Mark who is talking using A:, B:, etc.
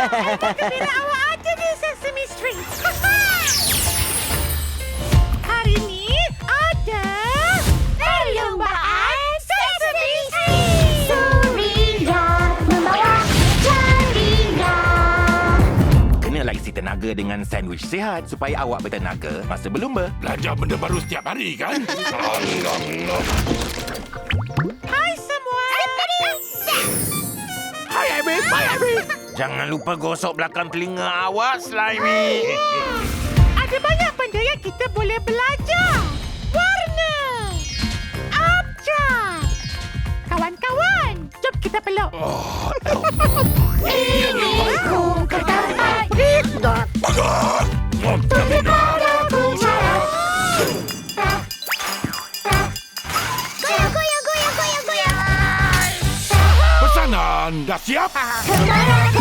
A: Gembira awak ada di Sesame Street. Hari ni ada perlombaan Sesame Street.
B: Suria membawa ceria.
C: Kena isi tenaga dengan sandwich sihat supaya awak bertenaga masa berlumba.
D: Belajar benda baru setiap hari kan?
A: Hai semua.
D: Hai Abby, hai Abby.
C: Jangan lupa gosok belakang telinga awak, Slimy.
A: Ada banyak benda yang kita boleh belajar. Warna. Abjad. Kawan-kawan, jom kita peluk.
B: Inginku ke tempat
D: Bagus!
B: Tunggu padaku cara. Goyang, goyang, goyang, goyang, goyang.
D: Pesanan dah siap?
B: Kemana